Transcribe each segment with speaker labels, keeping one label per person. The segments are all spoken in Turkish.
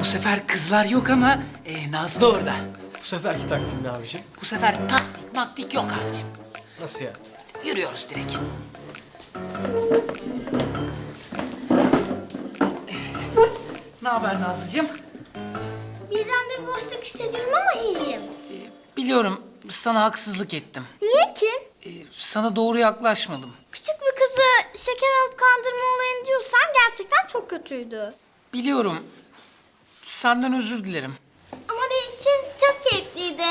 Speaker 1: Bu sefer kızlar yok ama Nazlı orada.
Speaker 2: Bu seferki taktiğin ne abicim?
Speaker 1: Bu sefer taktik maktik yok abicim.
Speaker 2: Nasıl ya?
Speaker 1: Yürüyoruz direkt. Ne haber Nazlıcığım?
Speaker 3: Birden bir boşluk hissediyorum ama iyiyim.
Speaker 1: Biliyorum sana haksızlık ettim.
Speaker 3: Niye ki?
Speaker 1: Sana doğru yaklaşmadım.
Speaker 3: Küçük bir kızı şeker alıp kandırma olayını diyorsan gerçekten çok kötüydü.
Speaker 1: Biliyorum. Senden özür dilerim.
Speaker 3: Ama benim için çok keyifliydi.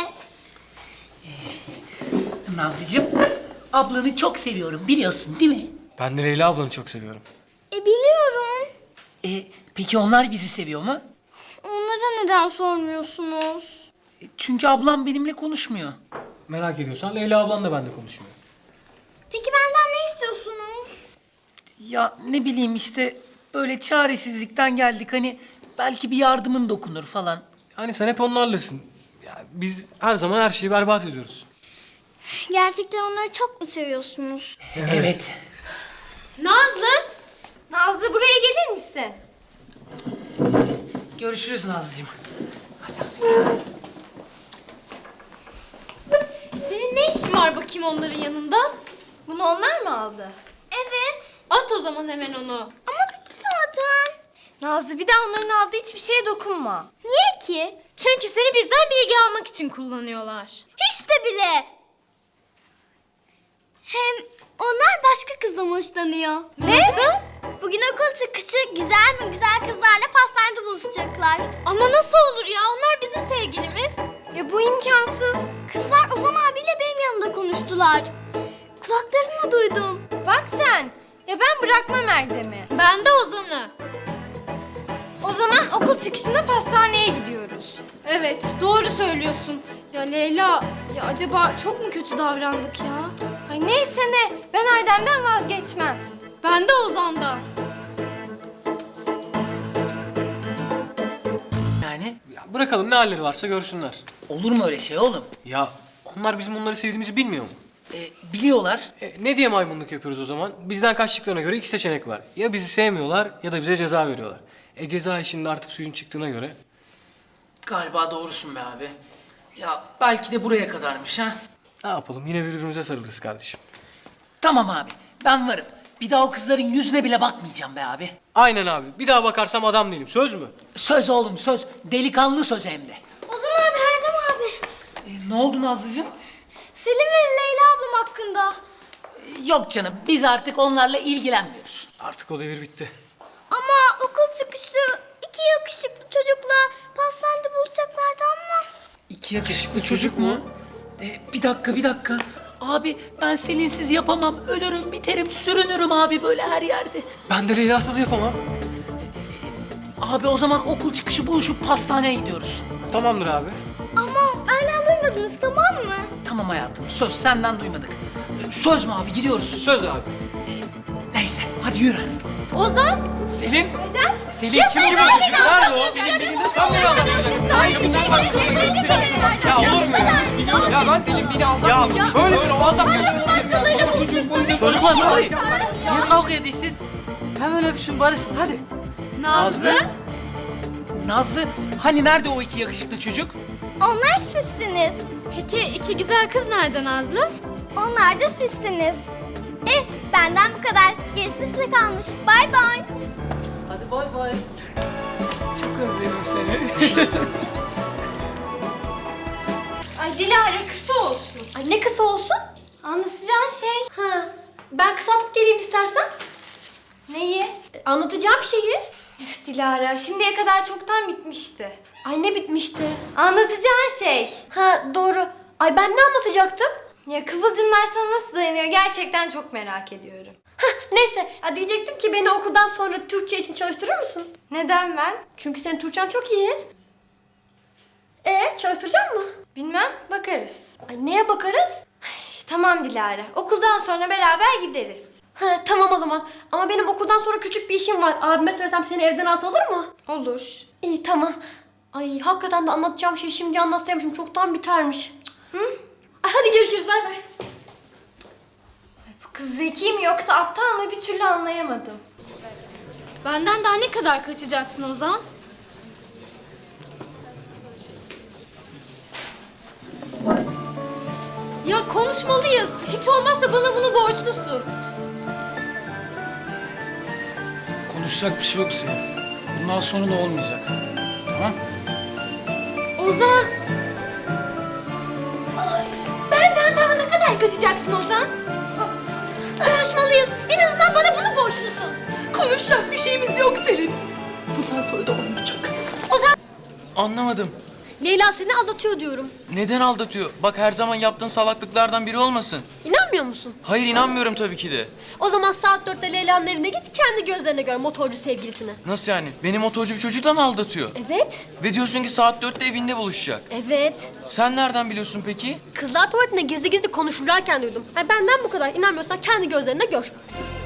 Speaker 1: Nazlıcığım, ablanı çok seviyorum biliyorsun değil mi?
Speaker 2: Ben de Leyla ablanı çok seviyorum.
Speaker 3: Biliyorum.
Speaker 1: Peki onlar bizi seviyor mu?
Speaker 3: Onlara neden sormuyorsunuz?
Speaker 1: Çünkü ablam benimle konuşmuyor.
Speaker 2: Merak ediyorsan Leyla ablan da benimle konuşuyor.
Speaker 3: Peki benden ne istiyorsunuz?
Speaker 1: Ya ne bileyim işte böyle çaresizlikten geldik hani belki bir yardımın dokunur falan.
Speaker 2: Yani sen hep onlarlasın. Ya biz her zaman her şeyi berbat ediyoruz.
Speaker 3: Gerçekten onları çok mu seviyorsunuz?
Speaker 1: Evet.
Speaker 3: Nazlı! Nazlı buraya gelir misin?
Speaker 1: Görüşürüz Nazlıcığım.
Speaker 4: Senin ne işin var bakayım onların yanında?
Speaker 3: Bunu onlar mı aldı? Evet.
Speaker 4: At o zaman hemen onu.
Speaker 3: Ama bitti zaten. Nazlı bir daha onların aldığı hiçbir şeye dokunma. Niye ki?
Speaker 4: Çünkü seni bizden bilgi almak için kullanıyorlar.
Speaker 3: Hiç de bile. Hem onlar başka kızdan hoşlanıyor.
Speaker 4: Nasıl?
Speaker 3: Bugün okul çıkışı güzel mi güzel kızlarla pastanede buluşacaklar.
Speaker 4: Ama nasıl olur ya? Onlar bizim sevgilimiz.
Speaker 3: Ya bu imkansız. Kızlar Ozan abiyle benim yanımda konuştular. Kulaklarımla duydum. Bak sen. Ya ben bırakmam Erdem'i.
Speaker 4: Ben de Ozan'ı.
Speaker 3: O zaman okul çıkışında pastaneye gidiyoruz.
Speaker 4: Evet, doğru söylüyorsun. Ya Leyla, ya acaba çok mu kötü davrandık ya?
Speaker 3: Ay neyse ne. Ben Erdem'den vazgeçmem.
Speaker 4: Ben de Ozan'dan.
Speaker 1: Yani
Speaker 2: Ya bırakalım ne halleri varsa görsünler.
Speaker 1: olur mu öyle şey oğlum?
Speaker 2: Ya onlar bizim onları sevdiğimizi bilmiyor mu?
Speaker 1: Biliyorlar.
Speaker 2: Ne diye maymunluk yapıyoruz o zaman? Bizden kaçtıklarına göre iki seçenek var. Ya bizi sevmiyorlar ya da bize ceza veriyorlar. Ceza işinde artık suyun çıktığına göre.
Speaker 1: Galiba doğrusun be abi. Ya belki de buraya kadarmış ha.
Speaker 2: Ne yapalım yine birbirimize sarılırız kardeşim.
Speaker 1: Tamam abi ben varım. Bir daha o kızların yüzüne bile bakmayacağım be abi.
Speaker 2: Aynen abi. Bir daha bakarsam adam değilim. Söz mü?
Speaker 1: Söz oğlum söz. Delikanlı söz hem de.
Speaker 3: Ozan abi, Erdem abi.
Speaker 1: Ne oldu Nazlıcığım?
Speaker 3: Selim ve Leyla ablam hakkında.
Speaker 1: Yok canım biz artık onlarla ilgilenmiyoruz.
Speaker 2: Artık o devir bitti.
Speaker 3: Ama okul çıkışı iki yakışıklı çocukla pastanede buluşacaklardı ama.
Speaker 1: İki yakışıklı çocuk mu? Bir dakika. Abi ben Selinsiz yapamam. Ölürüm biterim sürünürüm abi böyle her yerde.
Speaker 2: Ben de Leyla'sız yapamam.
Speaker 1: Abi o zaman okul çıkışı buluşup pastaneye gidiyoruz.
Speaker 2: Tamamdır abi.
Speaker 3: Ama benden duymadınız, tamam mı?
Speaker 1: Tamam hayatım söz senden duymadık. Söz mü abi gidiyoruz.
Speaker 2: Söz abi.
Speaker 1: Neyse hadi yürü.
Speaker 4: Ozan?
Speaker 2: Selin? Neden? Selin kim gibi çocuk? Nerede o? Selin beni nasıl anlıyor adam? Ya bundan başkasını gösteriyorsun. Ya olur mu ya? Ya ben Selin beni aldatmıyor. Ya böyle o aldatmıyor.
Speaker 4: Başkalarıyla buluşursun.
Speaker 1: Çocuklar ne oluyor? Niye kavga ediyorsunuz? Hemen öpüşün barışın hadi.
Speaker 4: Nazlı?
Speaker 1: Nazlı hani nerede o iki yakışıklı çocuk?
Speaker 3: Onlar sizsiniz.
Speaker 4: Peki iki güzel kız nerede Nazlı?
Speaker 3: Onlar da sizsiniz. Benden bu kadar. Gerisi size kalmış. Bay bay.
Speaker 1: Hadi bay bay.
Speaker 2: Çok özledim seni.
Speaker 3: Ay Dilara kısa olsun.
Speaker 4: Ay ne kısa olsun?
Speaker 3: Anlatacağın şey.
Speaker 4: Ben kısaltıp geleyim istersen.
Speaker 3: Neyi?
Speaker 4: Anlatacağım şeyi.
Speaker 3: Üf Dilara, şimdiye kadar çoktan bitmişti.
Speaker 4: Ay ne bitmişti?
Speaker 3: Anlatacağın şey.
Speaker 4: Ha doğru. Ay ben ne anlatacaktım?
Speaker 3: Ya Kıvılcımlar sana nasıl dayanıyor gerçekten çok merak ediyorum.
Speaker 4: Neyse ya diyecektim ki beni okuldan sonra Türkçe için çalıştırır mısın?
Speaker 3: Neden ben?
Speaker 4: Çünkü senin Türkçen çok iyi. Çalıştıracak mı?
Speaker 3: Bilmem, bakarız.
Speaker 4: Ay neye bakarız?
Speaker 3: Tamam Dilara, okuldan sonra beraber gideriz.
Speaker 4: Ha, tamam o zaman. Ama benim okuldan sonra küçük bir işim var. Abime söylesem seni evden alsa olur mu?
Speaker 3: Olur.
Speaker 4: İyi tamam. Ay hakikaten de anlatacağım şeyi şimdi anlatsaymışım. Çoktan bitermiş. Hı? Ay hadi görüşürüz bay bay.
Speaker 3: Bu kız zeki mi yoksa aptal mı bir türlü anlayamadım.
Speaker 4: Benden daha ne kadar kaçacaksın Ozan?
Speaker 3: Ya konuşmalıyız. Hiç olmazsa bana bunu borçlusun.
Speaker 2: Konuşacak bir şey yok Selin. Bundan sonra da olmayacak. Tamam?
Speaker 3: Ozan. Benden daha ne kadar kaçacaksın Ozan? Konuşmalıyız. En azından bana bunu borçlusun.
Speaker 1: Konuşacak bir şeyimiz yok Selin. Bundan sonra da olmayacak.
Speaker 3: Ozan.
Speaker 5: Anlamadım.
Speaker 4: Leyla seni aldatıyor diyorum.
Speaker 5: Neden aldatıyor? Bak her zaman yaptığın salaklıklardan biri olmasın.
Speaker 4: İnanmıyor musun?
Speaker 5: Hayır inanmıyorum tabii ki de.
Speaker 4: O zaman saat 4'te Leyla'nın evine git, kendi gözlerine gör motorcu sevgilisini.
Speaker 5: Nasıl yani? Beni motorcu bir çocukla mı aldatıyor?
Speaker 4: Evet,
Speaker 5: Ve diyorsun ki saat 4'te evinde buluşacak.
Speaker 4: evet.
Speaker 5: Sen nereden biliyorsun peki?
Speaker 4: Kızlar tuvaletinde gizli gizli konuşurlarken duydum. Benden bu kadar. İnanmıyorsan kendi gözlerine gör.